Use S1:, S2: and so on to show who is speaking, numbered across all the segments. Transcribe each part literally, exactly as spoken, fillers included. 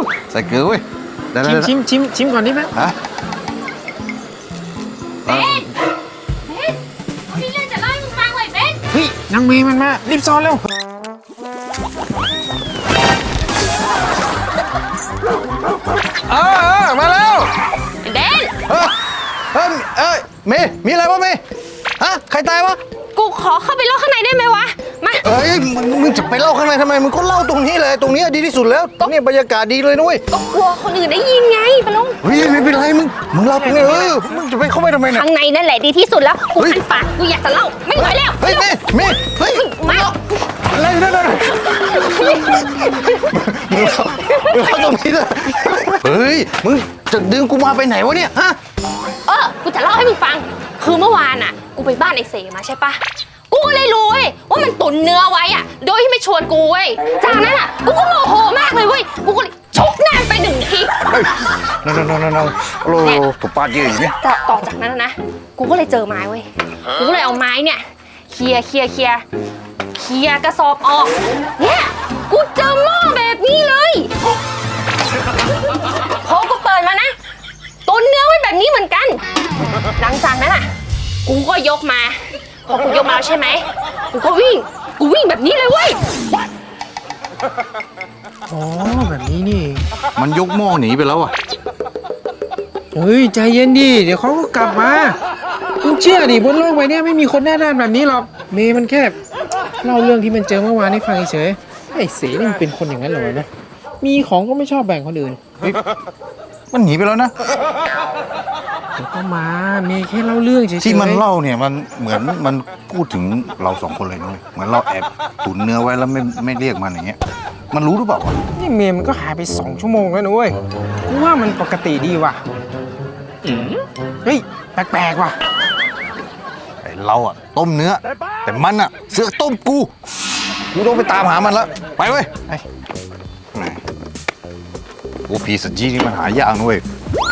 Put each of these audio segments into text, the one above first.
S1: ใส่เกลือเว้ย
S2: ชิมชิมชิมชิมก่อนดิแม่
S1: ฮะ
S3: เบนเบนพี่เรื่องจะเล่าให้มึงฟังไว้เบน
S2: เฮ้ยนางเมย์มันมารีบซ้อนเร็วเออเออมาแล้ว
S3: เบน
S1: เออเออเอ้ยเมย์มีอะไรวะเมย์ฮะใครตายวะ
S3: กูขอเข้าไปเล่าข้างในได้ไหมวะมา
S1: เอ้ยมึงจะไปเล่าข้างในทำไมมึงก็เล่าตรงนี้เลยตรงนี้ดีที่สุดแล้วตรงนี้บรรยากาศดีเลยนุ้ย
S3: ก็กลัวคนอื่นได้ยินไงปะลุง
S1: เฮ้ยไม่เป็นไรมึงมึงเล่าตรงนี้เออมึงจะไปเข้าไปทำไมเนี่ย
S3: ข้างในนั่นแหละดีที่สุดแล้วกูคันปากกูอยากจะเล่าไม่ไหวแล้ว
S1: เฮ้ยเมย์เมย์เฮ้ย
S3: มา
S1: อะไรนั่นน่ะมึงเล่ามึงเล่าตรงนี้เลยเฮ้ยมึงจะดึงกูมาไปไหนวะเนี่ยฮะ
S3: เออกูจะเล่าให้มึงฟังคือเมื่อวานอ่ะกูไปบ้านไอ้เสมาใช่ปะกูเลยรู้เว้ยว่ามันตุนเนื้อไว้อ่ะโดยที่ไม่ชวนกูเว้ยจากนั้นอ่ะกูก็โมโหมากเลยเว้ยกูก็เลยชกหน้าไปหนึ่งที
S1: เฮ้ยนั่นนั่นนั่นนั่นโอ้โหตัวปาดเยอะอย่างนี้
S3: ต่อต่อจากนั้นนะกูก็เลยเจอไม้เว้ยกูก็เลยเอาไม้เนี่ยเคลียเคลียเคลียเคลียกระสอบออกเนี่ยกูเจอหม้อแบบนี้เลยพอกูเปิดมานะตุนเนื้อไว้แบบนี้เหมือนกันหลังจากนั้นอ่ะกูก็ยกมาพอกูยกมาใช่ไหมกูก็วิ่งกูวิ่งแบบนี้เลยเว้ย
S2: อ๋อแบบนี้นี่
S1: มันยกหม้อหนีไปแล้วอ่ะ
S2: เฮ้ยใจเย็นดิเดี๋ยวเขาก็กลับมาคุณเชื่อดิบนโลกใบนี้ไม่มีคนหน้าด้านแบบนี้หรอกเมย์มันแค่เล่าเรื่องที่มันเจอเมื่อวานให้ฟังเฉยไอ้เสนี่มันเป็นคนอย่างนั้นเหรอนะมีของก็ไม่ชอบแบ่งคนอื่น
S1: มันหนีไปแล้วนะ
S2: เดี๋ยวก็มาเมย์แค่เล่าเรื่องเฉยๆ
S1: ที่มันเล่าเนี่ยมันเหมือนมันพูดถึงเราสองคนเลยนะเหมือนเราแอบตุนเนื้อไว้แล้วไม่ไม่เรียกมันอย่างเงี้ยมันรู้หรือเปล่าวะ
S2: นี่เมย์มันก็หายไปสองชั่วโมงแล้วนะเว้ยกูว่ามันปกติดีว่ะเฮ้ยแปลกๆว่ะ
S1: ไอเราอะต้มเนื้อแต่มันอะเสือกต้มกูกูต้องไปตามหามันแล้วไปเว้ยไปไหนโอ้พีสจีนี่มันหายากนะเว้ย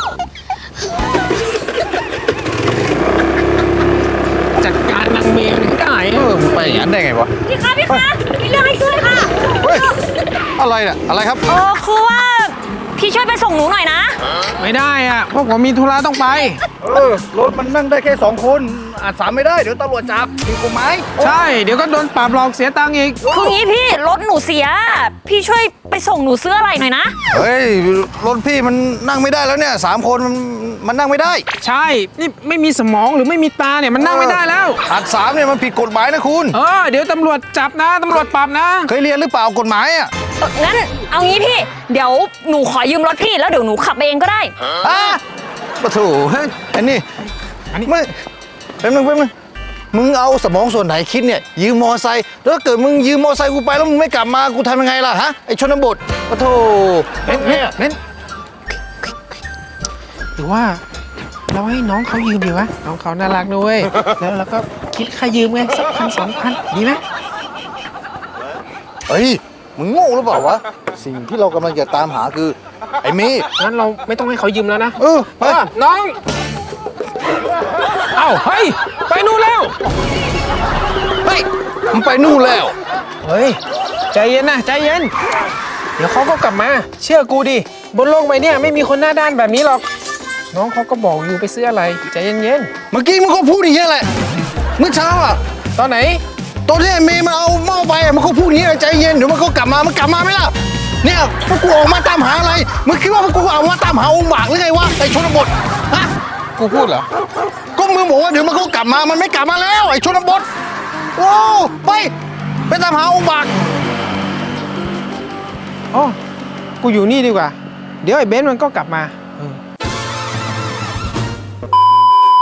S2: จัดการนางเมย์ให้ได้
S1: เออไปอย่างนั้นได้ไงวะ
S3: พี่คะพี่คะมีเรื่องให้ช่วยค่ะ
S1: เฮ้ยอะไรเนี่ยอะไรครับ
S3: เออคือว่าพี่ช่วยไปส่งหนูหน่อยนะ
S2: ไม่ได้อ่ะเพราะผมมีธุระต้องไป
S1: เออรถมันนั่งได้แค่สองคนอาจสามไม่ได้เดี๋ยวตำรวจจับผิดกฎหมาย
S2: ใช่เดี๋ยวก็โดนปรับหลอกเสียตังค์อีก
S3: คืองี้พี่รถหนูเสียพี่ช่วยไปส่งหนูซื้ออะไรหน่อยนะ
S1: เฮ้ยรถพี่มันนั่งไม่ได้แล้วเนี่ยสามคนมันมันนั่งไม่ได้
S2: ใช่นี่ไม่มีสมองหรือไม่มีตาเนี่ยมันนั่งไม่ได้แล้ว
S1: อาจสามเนี่ยมันผิดกฎหมายนะคุณ
S2: เออเดี๋ยวตำรวจจับนะตำรวจปรับนะ
S1: เคยเรียนหรือเปล่ากฎหมายอ่ะ
S3: งั้นเอางี้พี่เดี๋ยวหนูขอยืมรถพี่แล้วเดี๋ยวหนูขับเองก็ได้
S1: อ่ะปะโถเฮ้ยอันนี้อันนี้ไม่แป๊บนึงแป๊บนึงมึงเอาสมองส่วนไหนคิดเนี่ยยืมมอไซค์แล้วเกิดมึงยืมมอไซค์กูไปแล้วมึงไม่กลับมากูทำยังไงล่ะฮะไอชนบทปะโถ
S2: เน้นเน้นเน้นหรือว่าเราให้น้องเขายืมดีวะน้องเขาน่ารักด้วยแล้วเราก็คิดค่ายืมไงสักพันสองพันดีไหม
S1: เฮ้ยมึงโง่หรือเปล่าวะสิ่งที่เรากำลังจะตามหาคือไอ้เมย์
S2: งั้นเราไม่ต้องให้เขายืมแล้วนะ
S1: เออไป
S2: น้องเอ้าเฮ้ยไปนู่นแล้ว
S1: เฮ้ยมันไปนู่นแล้ว
S2: เฮ้ยใจเย็นนะใจเย็นเดี๋ยวเขาก็กลับมาเชื่อกูดิบนโลกใบนี้ไม่มีคนหน้าด้านแบบนี้หรอกน้องเขาก็บอกอยู่ไปซื้ออะไรใจเย็นเย็น
S1: เมื่อกี้มึงก็พูดอย่างนี้แหละเมื่อเช้าอ่ะ
S2: ตอนไหน
S1: ตอนที่ไอ้เมย์มันเอาหม้อไปมันก็พูดอย่างนี้ใจเย็นเดี๋ยวมันก็กลับมามันกลับมาไหมล่ะเนี่ยพวกกูออกมาตามหาอะไรมึงคิดว่าพวกกูออกมาตามหาองค์บากหรือไงวะไอ้ชนบทฮะ
S2: กูพูดเหรอ
S1: ก็มึงบอกว่าเดี๋ยวมันก็กลับมามันไม่กลับมาแล้วไอ้ชนบทโอ้ไปไปตามหาองค์บาก
S2: อ๋อกูอยู่นี่ดีกว่าเดี๋ยวไอ้เบนซ์มันก็กลับมา